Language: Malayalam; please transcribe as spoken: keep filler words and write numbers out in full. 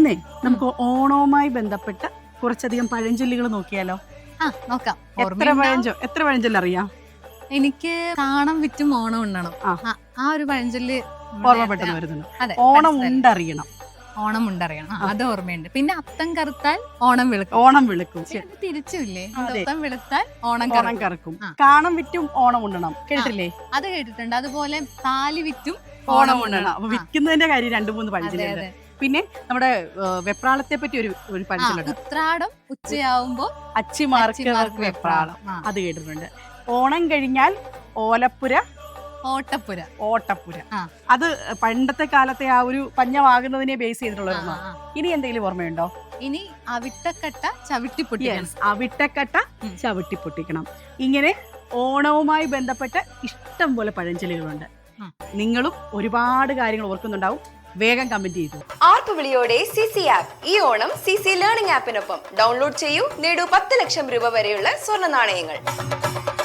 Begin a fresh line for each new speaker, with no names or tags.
ഇന്നേ നമുക്ക് ഓണവുമായി ബന്ധപ്പെട്ട കുറച്ചധികം പഴഞ്ചൊല്ലുകൾ നോക്കിയാലോ?
ആ നോക്കാം.
എത്ര പഴഞ്ചൊ എത്ര പഴഞ്ചൊല്ല് അറിയാം?
എനിക്ക് കാണം വിറ്റും ഓണം ഉണ്ണണം.
ആ.
ആ, ആ ഒരു പഴഞ്ചൊല്ല്
ഓർമ്മ പെട്ടെന്ന് വരുന്നുണ്ട്.
അതെ,
ഓണം
മനസ്സിലായി.
ഉണ്ടറിയണം.
ഓണം ഉണ്ടറിയണം. ആ, അത് ഓർമ്മയുണ്ട്. പിന്നെ അത്തം കറുത്താൽ ഓണം വെളുക്കും.
ഓണം വിളിക്കും.
ഇത് തിരിച്ചില്ലേ?
അതെ.
അത്തം വെളുത്താൽ ഓണം
ഓണം
കറുക്കും.
കറക്കും.
ആ.
കാണം വിറ്റും ഓണം ഉണ്ണണം. കേട്ടില്ലേ?
അത് കേട്ടിട്ടുണ്ട്. അതുപോലെ താലി വിറ്റും
ഓണം ഉണ്ണണം. അപ്പൊ
ആ.
വിൽക്കുന്നതിന്റെ കാര്യം രണ്ടു മൂന്ന്
അതെ
പഴഞ്ചൊല്ലുണ്ട്.
അതെ.
പിന്നെ നമ്മുടെ ഏഹ്, വെപ്രാളത്തെ പറ്റി ഒരു ഒരു
ആ,
പഴഞ്ചൊല്ലുണ്ട്.
ഉത്രാടം ഉച്ചയാവുമ്പോ
അച്ചിമാർക്ക്
അച്ചിമാർക്ക്
വെപ്രാളം.
ആ.
അത് കേട്ടിട്ടുണ്ട്. ഓണം കഴിഞ്ഞാൽ ഓലപ്പുര
ഓട്ടപ്പുര.
ഓട്ടപ്പുര.
ആ.
അത് പണ്ടത്തെ കാലത്തെ ആ ഒരു പഞ്ഞമാകുന്നതിനെ ബേസ് ചെയ്തിട്ടുള്ള
ആ,
ഒരെണ്ണം.
ആ.
ഇനി എന്തെങ്കിലും ഓർമ്മയുണ്ടോ?
ഇനി അവിട്ടക്കട്ട ചവിട്ടി പൊട്ടിക്കണം.
Yes, അവിട്ടക്കട്ട
ഉം.
ചവിട്ടി പൊട്ടിക്കണം. ഇങ്ങനെ ഓണവുമായി ബന്ധപ്പെട്ട ഇഷ്ടം പോലെ പഴഞ്ചൊല്ലുകളുണ്ട്.
ഉം.
നിങ്ങളും ഒരുപാട് കാര്യങ്ങൾ ഓർക്കുന്നുണ്ടാവും. വേഗം കമന്റ് ചെയ്തു.
ആർപ്പ് വിളിയോടെ സി സി ആപ്പ് ഈ ഓണം സി സി ലേണിംഗ് ആപ്പിനൊപ്പം ഡൗൺലോഡ് ചെയ്യൂ, നേടൂ പത്ത് ലക്ഷം രൂപ വരെയുള്ള സ്വർണ്ണ നാണയങ്ങൾ.